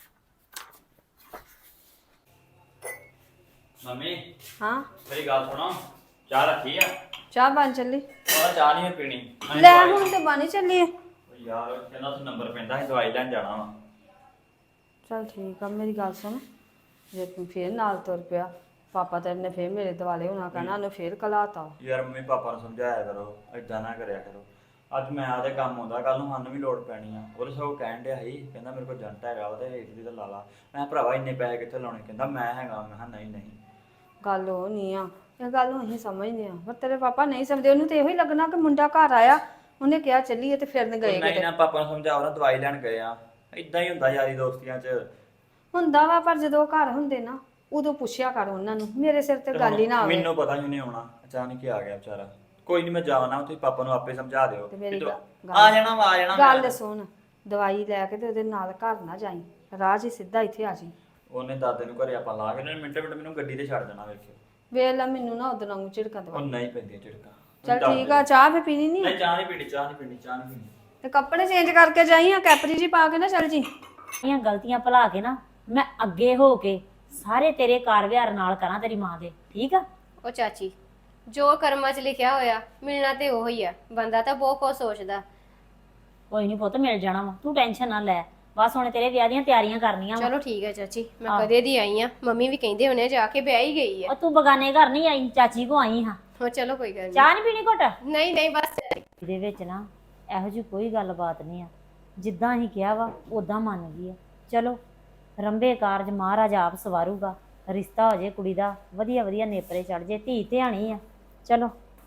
Speaker 3: ਮੰਮੀ
Speaker 2: ਹਾਂ
Speaker 3: ਮੇਰੀ ਗੱਲ ਸੁਣੋ, ਚਾਹ ਰੱਖੀ ਆ?
Speaker 2: ਚਾਹ ਬਣ ਚੱਲੀ।
Speaker 3: ਉਹ ਚਾਹ ਨਹੀਂ ਪੀਣੀ।
Speaker 2: ਲੈ ਹੁਣ ਤੇ ਬਣ ਹੀ ਚੱਲੀ ਹੈ।
Speaker 3: ਯਾਰ ਕਹਿੰਦਾ ਉੱਥੇ ਨੰਬਰ ਪੈਂਦਾ ਸੀ, ਦਵਾਈ ਲੈਣ ਜਾਣਾ ਵਾ।
Speaker 2: ਚਲ ਠੀਕ ਆ, ਮੇਰੀ ਗੱਲ ਸੁਣ, ਜੇ ਤੂੰ ਫੇਰ ਨਾਲ ਤੁਰ ਪਿਆ, ਪਾਪਾ ਤੇਰੇ ਨੇ ਫੇਰ ਮੇਰੇ ਦਿਵਾਲੇ ਹੋਣਾ ਕਹਿਣਾ, ਉਹਨੇ ਫੇਰ ਕਲਾਤਾ।
Speaker 3: ਯਾਰ ਮੰਮੀ ਪਾਪਾ ਨੂੰ ਸਮਝਾਇਆ ਕਰੋ, ਏਦਾਂ ਨਾ ਕਰਿਆ ਕਰੋ। ਅੱਜ ਮੈਂ ਆਦੇ ਕੰਮ ਆਉਂਦਾ, ਕੱਲ ਨੂੰ ਸਾਨੂੰ ਵੀ ਲੋੜ ਪੈਣੀ ਆ। ਉਹਦੇ ਸਗੋਂ ਕਹਿਣ ਡਿਆ ਸੀ, ਕਹਿੰਦਾ ਮੇਰੇ ਕੋਲ ਜੰਟ ਹੈਗਾ ਵਾ ਤੇ ਰੇਟ ਦੀ ਤਾਂ ਲਾ ਲਾ। ਮੈਂ ਕਿਹਾ ਭਰਾਵਾ ਇੰਨੇ ਪੈਸੇ ਕਿੱਥੇ ਲਾਉਣੇ? ਕਹਿੰਦਾ ਮੈਂ ਹੈਗਾ। ਮੈਂ ਕਿਹਾ ਨਹੀਂ ਨਹੀਂ।
Speaker 2: ਗੱਲ ਉਹ ਨਹੀਂ ਆ, ਇਹ ਗੱਲ ਨੂੰ ਅਸੀਂ ਸਮਝਦੇ ਆ, ਪਰ ਤੇਰੇ ਪਾਪਾ ਨਹੀਂ ਸਮਝਦੇ। ਉਹਨੂੰ ਤੇ ਇਹੋ ਹੀ ਲੱਗਣਾ ਕਿ ਮੁੰਡਾ ਘਰ ਆਇਆ, ਉਹਨੇ ਕਿਹਾ ਚੱਲੀਏ ਤੇ ਫਿਰਨ ਗਏ
Speaker 3: ਨਹੀਂ
Speaker 2: ਕਿਤੇ।
Speaker 3: ਨਾ ਪਾਪਾ ਨੂੰ ਸਮਝਾਓ ਨਾ, ਦਵਾਈ ਲੈਣ ਗਏ ਆ। ਇਦਾਂ ਹੀ ਹੁੰਦਾ ਯਾਰੀ ਦੋਸਤੀਆਂ 'ਚ।
Speaker 2: ਹੁੰਦਾ ਵਾ, ਪਰ ਜਦੋਂ ਉਹ ਘਰ ਹੁੰਦੇ ਨਾ ਉਦੋਂ ਪੁੱਛਿਆ ਕਰ ਉਹਨਾਂ ਨੂੰ, ਮੇਰੇ ਸਿਰ ਤੇ ਗੱਲ ਹੀ ਨਾ ਆਵੇ।
Speaker 3: ਮੈਨੂੰ ਪਤਾ ਹੀ ਉਹਨੇ ਆਉਣਾ, ਅਚਾਨਕ ਹੀ ਆ ਗਿਆ ਵਿਚਾਰਾ। ਕੋਈ ਨਹੀਂ, ਮੈਂ ਜਾਣਾ, ਤੁਸੀਂ ਪਾਪਾ ਨੂੰ ਆਪੇ ਸਮਝਾ ਦਿਓ।
Speaker 2: ਤੇ ਮੇਰੀ
Speaker 3: ਵੀ
Speaker 2: ਗੱਲ-
Speaker 3: ਤੂੰ ਆ ਜਾਣਾ ਵਾ, ਆ ਜਾਣਾ
Speaker 2: ਗੱਲ
Speaker 3: ਮੈਂ।
Speaker 2: ਸੁਣ, ਦਵਾਈ ਲੈ ਕੇ ਤੇ ਉਹਦੇ ਨਾਲ ਘਰ ਨਾ ਜਾਈ, ਰਾਜ ਹੀ ਸਿੱਧਾ ਇੱਥੇ ਆ ਜੀ।
Speaker 3: ਉਹਨੇ ਦਾਦੇ ਨੂੰ ਘਰੇ ਆਪਾਂ ਲਾ ਕੇ ਉਹਨੇ ਮਿੰਟੇ ਮਿੰਟ ਮੈਨੂੰ ਗੱਡੀ ਤੇ ਛੱਡ ਦੇਣਾ। ਵੇਖਿਓ
Speaker 2: ਵੇਖ ਲੈ, ਮੈਨੂੰ ਨਾ ਉਦੋਂ ਵਾਂਗੂ ਝਿੜਕਾਂ
Speaker 3: ਉਹ
Speaker 2: ਦਵਾ।
Speaker 3: ਨਹੀਂ ਪੈਂਦੀਆਂ ਝਿੜਕਾਂ।
Speaker 2: ਚਲ ਠੀਕ ਆ, ਚਾਹ ਵੀ ਪੀਣੀ ਨਹੀਂ
Speaker 3: ਨਹੀਂ ਚਾਹ ਨਹੀਂ ਪੀਣੀ, ਚਾਹ ਨਹੀਂ ਪੀਣੀ, ਚਾਹ ਨਹੀਂ ਪੀਣੀ।
Speaker 2: ਤੇ ਕੱਪੜੇ ਚੇਂਜ ਕਰਕੇ ਜਾਈ, ਆ ਕੈਪਰੀ ਜੀ ਪਾ ਕੇ ਨਾ ਚੱਲ ਜੀ।
Speaker 6: ਇਹ ਗਲਤੀਆਂ ਭੁਲਾ ਕੇ ਨਾ ਮੈਂ ਅੱਗੇ ਹੋ ਕੇ ਸਾਰੇ ਤੇਰੇ ਕਾਰ ਵਿਹਾਰ ਨਾਲ ਕਰਾਂ ਤੇਰੀ ਮਾਂ ਦੇ, ਠੀਕ ਆ?
Speaker 7: ਉਹ ਚਾਚੀ, ਜੋ ਕਰਮਾਂ 'ਚ ਲਿਖਿਆ ਹੋਇਆ ਮਿਲਣਾ ਤੇ ਉਹ ਹੀ ਆ। ਬੰਦਾ ਤਾਂ ਬਹੁਤ ਕੁਝ ਸੋਚਦਾ।
Speaker 6: ਕੋਈ ਨਹੀਂ ਪੁੱਤ, ਮਿਲ ਜਾਣਾ ਵਾ, ਤੂੰ ਟੈਨਸ਼ਨ ਨਾ ਲੈ। ਬਸ ਹੁਣ ਤੇਰੇ ਵਿਆਹ ਦੀਆਂ ਤਿਆਰੀਆਂ ਕਰਨੀਆਂ ਵਾ।
Speaker 7: ਚਲੋ ਠੀਕ ਹੈ ਚਾਚੀ, ਮੈਂ ਕਦੇ ਦੀ ਆਈ ਆ। ਮੰਮੀ ਵੀ ਕਹਿੰਦੇ ਹੋਣੇ ਜਾ ਕੇ ਵਿਆਹ ਹੀ ਗਈ ਆ।
Speaker 6: ਉਹ ਤੂੰ ਬਗਾਨੇ ਘਰ ਨਹੀਂ ਆਈ, ਚਾਚੀ ਕੋ ਆਈ ਹਾਂ।
Speaker 7: ਹੋ ਚਲੋ ਕੋਈ ਗੱਲ
Speaker 6: ਚਾਹ ਨਹੀਂ ਪੀਣੀ ਘੁੱਟ?
Speaker 7: ਨਹੀਂ ਨਹੀਂ ਬਸ।
Speaker 6: ਇਹਦੇ ਵਿੱਚ ਨਾ ਇਹੋ ਜਿਹੀ ਕੋਈ ਗੱਲਬਾਤ ਨਹੀਂ ਆ, ਜਿੱਦਾਂ ਹੀ ਕਿਹਾ ਵਾ ਉਦਾਂ ਮੰਨ ਗਈ ਆ। ਚਲੋ ਰੰਬੇ ਕਾਰਜ ਮਹਾਰਾਜ ਆਪ ਸਵਾਰੂਗਾ, ਰਿਸ਼ਤਾ ਹੋ ਜੇ ਕੁੜੀ ਦਾ, ਵਧੀਆ ਵਧੀਆ ਨੇਪਰੇ ਚੜ ਜੇ, ਧੀ ਧਿਆਣੀ ਆ। ਚਲੋ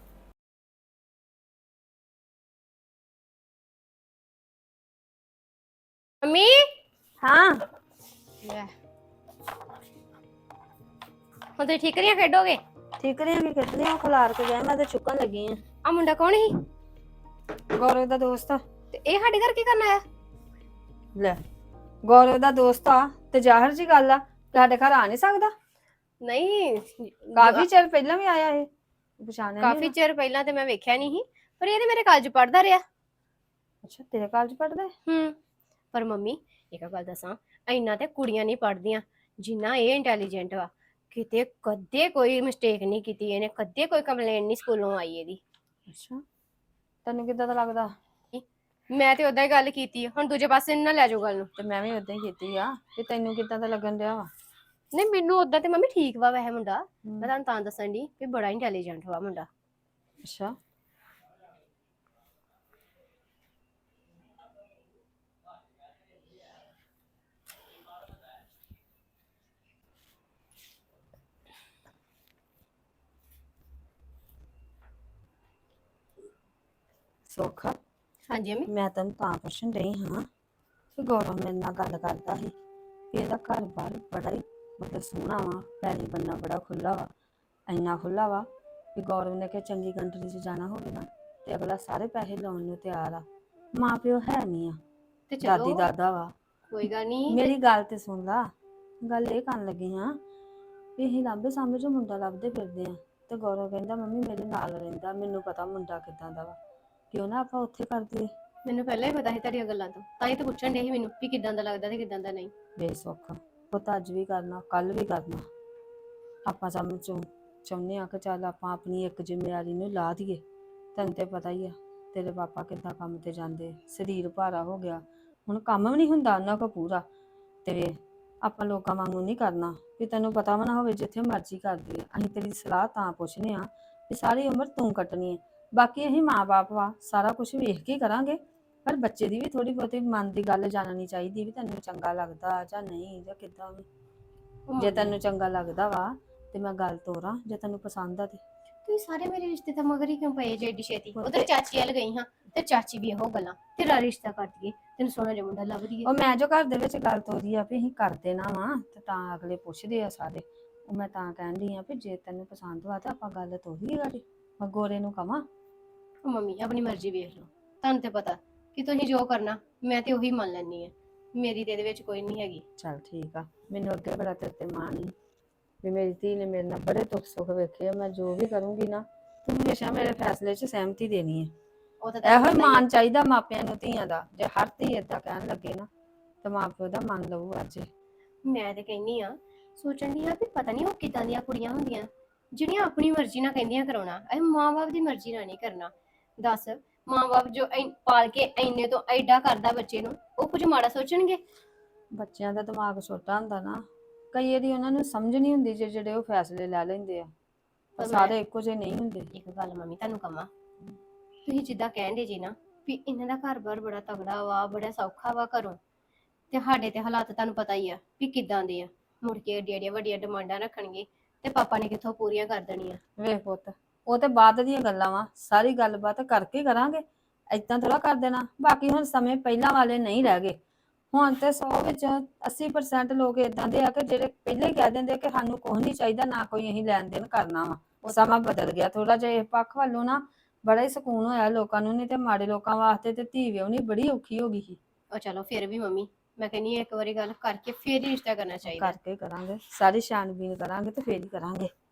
Speaker 7: ਮੰਮੀ
Speaker 2: ਹਾਂ
Speaker 7: ਲੈ, ਹੁਣ ਤੁਸੀਂ ਠੀਕਰੀਆਂ ਖੇਡੋਗੇ?
Speaker 2: ਠੀਕ ਨੇ ਕਿ ਕਿਤਨੇ ਉਹ ਖਲਾਰ ਕੇ ਗਏ, ਮੈਂ ਤੇ ਚੁੱਕਣ ਲੱਗੀ ਆ।
Speaker 7: ਆ ਮੁੰਡਾ ਕੌਣ ਸੀ?
Speaker 2: ਗੌਰਵ ਦਾ ਦੋਸਤ ਆ।
Speaker 7: ਤੇ ਇਹ ਸਾਡੇ ਘਰ ਕੀ ਕਰਨ ਆਇਆ?
Speaker 2: ਲੈ, ਗੌਰਵ ਦਾ ਦੋਸਤ ਆ ਤੇ ਜ਼ਾਹਰ ਜੀ ਗੱਲ ਆ, ਸਾਡੇ ਘਰ ਆ ਨਹੀਂ ਸਕਦਾ?
Speaker 7: ਨਹੀਂ,
Speaker 2: ਕਾਫੀ ਚਿਰ ਪਹਿਲਾਂ ਵੀ ਆਇਆ ਇਹ, ਪਛਾਣਿਆ ਨੀ
Speaker 7: ਕਾਫੀ
Speaker 2: ਨਾ।
Speaker 7: ਚਿਰ ਪਹਿਲਾਂ ਤੇ ਮੈਂ ਵੇਖਿਆ ਨਹੀਂ ਸੀ, ਪਰ ਇਹ ਤੇ ਮੇਰੇ ਕਾਲਜ ਪੜਦਾ ਰਿਹਾ।
Speaker 2: ਅੱਛਾ, ਤੇਰੇ ਕਾਲਜ ਪੜਦਾ?
Speaker 7: ਹੂੰ। ਪਰ ਮੰਮੀ ਇੱਕ ਗੱਲ ਦੱਸਾਂ, ਇੰਨਾ ਤੇ ਕੁੜੀਆਂ ਨਹੀਂ ਪੜਦੀਆਂ ਜਿੰਨਾ ਇਹ ਇੰਟੈਲੀਜੈਂਟ ਵਾ। ਕਿਤੇ ਕਦੇ ਕੋਈ ਮਿਸਟੇਕ ਨਹੀਂ ਕੀਤੀ ਇਹਨੇ, ਕਦੇ ਕੋਈ ਕੰਪਲੇਂਟ ਨਹੀਂ ਸਕੂਲੋਂ ਆਈ ਇਹਦੀ।
Speaker 2: ਅੱਛਾ, ਤੈਨੂੰ ਕਿੱਦਾਂ ਦਾ ਲੱਗਦਾ?
Speaker 7: ਮੈਂ ਤੇ ਉਦਾਂ ਹੀ ਗੱਲ ਕੀਤੀ ਆ, ਹੁਣ ਦੂਜੇ ਪਾਸੇ ਨਾ ਲੈ ਜਾਓ ਗੱਲ ਨੂੰ।
Speaker 2: ਤੇ ਮੈਂ ਵੀ ਉਦਾਂ ਹੀ ਕੀਤੀ ਆ, ਤੇ ਤੈਨੂੰ ਕਿੱਦਾਂ ਦਾ ਲੱਗਣ ਡਿਆ ਵਾ?
Speaker 7: ਨਹੀਂ, ਮੈਨੂੰ ਉਦਾਂ ਤੇ ਮੰਮੀ ਠੀਕ ਵਾ ਵੈਸੇ ਮੁੰਡਾ। ਮੈਂ ਤੁਹਾਨੂੰ ਤਾਂ ਦੱਸਣ ਦੀ ਵੀ ਬੜਾ ਇੰਟੈਲੀਜੈਂਟ ਵਾ ਮੁੰਡਾ।
Speaker 2: ਅੱਛਾ, ਸੋਖਾ,
Speaker 7: ਹਾਂਜੀ ਮੰਮੀ।
Speaker 2: ਮੈਂ ਤੈਨੂੰ ਤਾਂ ਪੁੱਛਣ ਡਈ ਹਾਂ ਕਿ ਗੌਰਵ ਮੇਰੇ ਨਾਲ ਗੱਲ ਕਰਦਾ ਸੀ ਕਿ ਇਹਦਾ ਘਰ ਬਾਰ ਬੜਾ ਹੀ ਮਤਲਬ ਸੋਹਣਾ ਵਾ, ਪੈਲੀ ਬੰਨਾ ਬੜਾ ਖੁੱਲਾ ਵਾ, ਇੰਨਾ ਖੁੱਲਾ ਵਾ ਕਿ ਗੌਰਵ ਨੇ ਕਿ ਚੰਗੀ ਕੰਟਰੀ 'ਚ ਜਾਣਾ ਹੋਵੇ ਨਾ ਤੇ ਅਗਲਾ ਸਾਰੇ ਪੈਸੇ ਲਾਉਣ ਨੂੰ ਤਿਆਰ ਆ। ਮਾਂ ਪਿਓ ਹੈ ਨਹੀਂ ਆ,
Speaker 7: ਤੇ
Speaker 2: ਦਾਦੀ
Speaker 7: ਚਲੋ
Speaker 2: ਦਾਦਾ ਵਾ।
Speaker 7: ਕੋਈ ਗੱਲ ਨਹੀਂ।
Speaker 2: ਮੇਰੀ ਗੱਲ ਤੇ ਸੁਣ ਲਾ, ਗੱਲ ਇਹ ਕਰਨ ਲੱਗੀ ਹਾਂ ਵੀ ਅਸੀਂ ਲਾਂਬੇ ਸਾਹਮਣੇ ਜੋ ਮੁੰਡਾ ਲੱਭਦੇ ਫਿਰਦੇ ਆ, ਤੇ ਗੌਰਵ ਕਹਿੰਦਾ ਮੰਮੀ ਮੇਰੇ ਨਾਲ ਰਹਿੰਦਾ, ਮੈਨੂੰ ਪਤਾ ਮੁੰਡਾ ਕਿੱਦਾਂ ਦਾ ਵਾ, ਕਿਉਂ ਨਾ ਆਪਾਂ ਉੱਥੇ ਕਰ ਦਈਏ।
Speaker 7: ਮੈਨੂੰ ਪਹਿਲਾਂ ਹੀ ਪਤਾ ਸੀ ਤੁਹਾਡੀਆਂ ਗੱਲਾਂ ਤੋਂ, ਤਾਂ ਹੀ ਤਾਂ ਪੁੱਛਣ ਦੇ ਸੀ ਮੈਨੂੰ ਵੀ ਕਿਦਾਂ ਦਾ ਲੱਗਦਾ ਤੇ ਕਿਦਾਂ ਦਾ ਨਹੀਂ।
Speaker 2: ਬੇਸੁੱਖ ਪੁੱਤ, ਅੱਜ ਵੀ ਕਰਨਾ ਕੱਲ ਵੀ ਕਰਨਾ। ਆਪਾਂ ਸਮਝ ਚੋਂ ਚਾਹੁੰਦੇ ਆ ਕਿ ਚੱਲ ਆਪਾਂ ਆਪਣੀ ਇੱਕ ਜ਼ਿੰਮੇਵਾਰੀ ਨੂੰ ਲਾ ਦਈਏ। ਤੈਨੂੰ ਤੇ ਪਤਾ ਹੀ ਆ ਤੇਰੇ ਪਾਪਾ ਕਿੱਦਾਂ ਕੰਮ ਤੇ ਜਾਂਦੇ, ਸਰੀਰ ਭਾਰਾ ਹੋ ਗਿਆ, ਹੁਣ ਕੰਮ ਵੀ ਨਹੀਂ ਹੁੰਦਾ ਉਹਨਾਂ ਕੋਲ ਪੂਰਾ। ਤੇ ਆਪਾਂ ਲੋਕਾਂ ਵਾਂਗੂ ਨਹੀਂ ਕਰਨਾ ਵੀ ਤੈਨੂੰ ਪਤਾ ਵੀ ਨਾ ਹੋਵੇ ਜਿੱਥੇ ਮਰਜ਼ੀ ਕਰਦੀ ਆ। ਅਸੀਂ ਤੇਰੀ ਸਲਾਹ ਤਾਂ ਪੁੱਛਨੇ ਆ ਵੀ ਸਾਰੀ ਉਮਰ ਤੂੰ ਕੱਟਣੀ ਹੈ, ਬਾਕੀ ਅਸੀਂ ਮਾਂ-ਬਾਪ ਵਾ, ਸਾਰਾ ਕੁਝ ਵੇਖ ਕੇ ਕਰਾਂਗੇ, ਪਰ ਬੱਚੇ ਦੀ ਵੀ ਥੋੜੀ ਬਹੁਤੀ ਮਨ ਦੀ ਗੱਲ ਜਾਣਨੀ ਚਾਹੀਦੀ ਵੀ ਤੈਨੂੰ ਚੰਗਾ ਲੱਗਦਾ ਜਾਂ ਨਹੀਂ, ਜਾਂ ਕਿੱਦਾਂ ਵੀ। ਜੇ ਤੈਨੂੰ ਚੰਗਾ ਲੱਗਦਾ ਵਾ ਤੇ ਮੈਂ ਗੱਲ ਤੋਰਾਂ, ਜੇ ਤੈਨੂੰ ਪਸੰਦ ਆ ਤੇ।
Speaker 7: ਤੁਸੀਂ ਸਾਰੇ ਮੇਰੇ ਰਿਸ਼ਤੇ ਤਾਂ ਮਗਰ ਹੀ ਕਿਉਂ ਪਏ ਜੇ ਏਡੀ ਛੇਤੀ? ਉਧਰ ਚਾਚੀ ਵੱਲ ਗਈ ਹਾਂ ਤੇ ਚਾਚੀ ਵੀ ਇਹੋ ਗੱਲਾਂ, ਤੇਰਾ ਰਿਸ਼ਤਾ ਕਰ ਦਈਏ, ਤੈਨੂੰ ਸੋਹਣਾ ਜਿਹਾ ਮੁੰਡਾ ਲੱਭ ਦਈਏ।
Speaker 2: ਉਹ ਮੈਂ ਜੋ ਘਰ ਦੇ ਵਿੱਚ ਗੱਲ ਤੋਰੀ ਆ ਵੀ ਅਸੀਂ ਕਰ ਦੇਣਾ ਵਾ, ਤੇ ਤਾਂ ਅਗਲੇ ਪੁੱਛਦੇ ਆ ਸਾਰੇ। ਉਹ ਮੈਂ ਤਾਂ ਕਹਿੰਦੀ ਆ ਵੀ ਜੇ ਤੈਨੂੰ ਪਸੰਦ ਵਾ ਤਾਂ ਆਪਾਂ ਗੱਲ ਤੋਰੀਏ ਗਾੜੀ, ਮੈਂ ਗੋਰੇ ਨੂੰ ਕਵਾਂ।
Speaker 7: ਉਹ ਮੰਮੀ ਆਪਣੀ ਮਰਜ਼ੀ ਵੇਖ ਲਓ, ਤੁਹਾਨੂੰ ਤੇ ਪਤਾ ਕਿ ਤੁਸੀਂ ਜੋ ਕਰਨਾ ਮੈਂ ਤੇ ਉਹੀ ਮੰਨ ਲੈਣੀ ਆ, ਮੇਰੀ ਤੇ ਇਹਦੇ ਵਿੱਚ ਕੋਈ ਨਹੀਂ ਹੈਗੀ।
Speaker 2: ਚੱਲ ਠੀਕ ਆ, ਮੈਨੂੰ ਅੱਗੇ ਬੜਾ ਤੇਰੇ ਤੇ ਮਾਣ ਈ ਵੀ ਮੇਰੀ ਧੀ ਨੇ ਮੇਰੇ ਨਾਲ ਬੜੇ ਦੁੱਖ ਸੁੱਖ ਵੇਖੇ ਆ। ਮੈਂ ਜੋ ਵੀ ਕਰੂੰਗੀ ਨਾ ਤੂੰ ਹਮੇਸ਼ਾ ਮੇਰੇ ਫੈਸਲੇ 'ਚ ਸਹਿਮਤੀ ਦੇਣੀ ਹੈ।
Speaker 7: ਉਹ ਤਾਂ
Speaker 2: ਇਹੋ
Speaker 7: ਤੁਹਾਨੂੰ
Speaker 2: ਹੀ
Speaker 7: ਪਤਾ ਹੀ
Speaker 2: ਮਾਨ ਚਾਹੀਦਾ ਮਾਪਿਆਂ ਨੂੰ ਧੀਆਂ ਦਾ। ਜੇ ਹਰ ਧੀ ਏਦਾਂ ਕਹਿਣ ਲੱਗੇ ਨਾ ਤਾਂ ਮਾਂ ਪਿਓ ਦਾ ਮੰਨ ਲਊ। ਅੱਜ
Speaker 7: ਆ। ਮੈਂ ਤੇ ਕਹਿੰਨੀ ਆ, ਸੋਚਣ ਦੀ ਆ ਵੀ ਪਤਾ ਨਹੀਂ ਉਹ ਕਿਦਾਂ ਦੀਆਂ ਕੁੜੀਆਂ ਹੁੰਦੀਆਂ ਜਿਹੜੀਆਂ ਆਪਣੀ ਮਰਜ਼ੀ ਨਾਲ ਕਹਿੰਦੀਆਂ ਕਰਾਉਣਾ, ਇਹ ਮਾਂ-ਬਾਪ ਦੀ ਮਰਜ਼ੀ ਨਾਲ ਨਹੀਂ ਕਰਨਾ। ਦੱਸ, ਮਾਂ-ਬਾਪ ਜੋ ਐ- ਪਾਲ ਕੇ ਇੰਨੇ ਤੋਂ ਐਡਾ ਕਰਦਾ ਬੱਚੇ ਨੂੰ, ਉਹ ਕੁਝ ਮਾੜਾ ਸੋਚਣਗੇ?
Speaker 2: ਬੱਚਿਆਂ ਦਾ ਦਿਮਾਗ ਛੋਟਾ ਹੁੰਦਾ ਨਾ, ਕਈ ਵਾਰੀ ਉਹਨਾਂ ਨੂੰ ਸਮਝ ਨਹੀਂ ਹੁੰਦੀ ਜੇ ਜਿਹੜੇ ਉਹ ਫੈਸਲੇ ਲੈ ਲੈਂਦੇ ਆ।
Speaker 7: ਪਰ
Speaker 2: ਸਾਰੇ ਇੱਕੋ ਜਿਹੇ ਨਹੀਂ ਹੁੰਦੇ।
Speaker 7: ਇੱਕ ਗੱਲ ਮੰਮੀ ਤੁਹਾਨੂੰ ਕਹਾਂ, ਤੁਸੀਂ ਜਿੱਦਾਂ ਕਹਿੰਦੇ ਜੀ ਨਾ ਵੀ ਇਹਨਾਂ ਦਾ ਘਰ-ਬਾਰ ਬੜਾ ਤਗੜਾ ਵਾ, ਬੜਾ ਸੌਖਾ ਵਾ ਘਰੋਂ, ਤੇ ਸਾਡੇ ਤੇ ਹਾਲਾਤ ਤੁਹਾਨੂੰ ਪਤਾ ਹੀ ਆ ਵੀ ਕਿੱਦਾਂ ਦੇ ਆ। ਮੁੜ ਕੇ ਏਡੀਆਂ ਏਡੀਆਂ ਵੱਡੀਆਂ ਡਿਮਾਂਡਾਂ ਰੱਖਣਗੇ ਤੇ ਪਾਪਾ ਨੇ ਕਿੱਥੋਂ ਪੂਰੀਆਂ ਕਰ ਦੇਣੀਆਂ।
Speaker 2: ਵੇਖ ਪੁੱਤ, ਉਹ ਤੇ ਬਾਅਦ ਦੀਆਂ ਗੱਲਾਂ ਵਾ, ਸਾਰੀ ਗੱਲਬਾਤ ਕਰਕੇ ਕਰਾਂਗੇ, ਏਦਾਂ ਥੋੜਾ ਕਰ ਦੇਣਾ। ਬਾਕੀ ਹੁਣ ਸਮੇਂ ਪਹਿਲਾਂ ਵਾਲੇ ਨਹੀਂ ਰਹਿ ਗਏ। ਹੁਣ ਤੇ ਸੌ ਵਿੱਚ ਅੱਸੀ ਪਰਸੈਂਟ ਲੋਕ ਏਦਾਂ ਦੇ ਆ ਕਿ ਜਿਹੜੇ ਪਹਿਲੇ ਹੀ ਕਹਿ ਦਿੰਦੇ ਕਿ ਸਾਨੂੰ ਕੁਝ ਨਹੀਂ ਚਾਹੀਦਾ, ਨਾ ਕੋਈ ਅਸੀਂ ਲੈਣ ਦੇਣ ਕਰਨਾ ਵਾ। ਉਹ ਸਮਾਂ ਬਦਲ ਗਿਆ ਥੋੜਾ ਜਿਹਾ, ਇਸ ਪੱਖ ਵੱਲੋਂ ਨਾ ਬੜਾ ਹੀ ਸਕੂਨ ਹੋਇਆ ਲੋਕਾਂ ਨੂੰ। ਨਹੀਂ ਤੇ ਮਾੜੇ ਲੋਕਾਂ ਵਾਸਤੇ ਤੇ ਧੀ ਵਿਆਹੁਣੀ ਬੜੀ ਔਖੀ ਹੋ ਗਈ ਸੀ।
Speaker 7: ਉਹ ਚਲੋ ਫਿਰ ਵੀ ਮੰਮੀ, ਮੈਂ ਕਹਿੰਨੀ ਇੱਕ ਵਾਰੀ ਗੱਲ ਕਰਕੇ ਫਿਰ ਹੀ ਰਿਸ਼ਤਾ ਕਰਨਾ ਚਾਹੀਦਾ।
Speaker 2: ਕਰਕੇ ਕਰਾਂਗੇ, ਸਾਰੀ ਛਾਣਬੀਨ ਕਰਾਂਗੇ ਤੇ ਫੇਰ ਹੀ ਕਰਾਂਗੇ।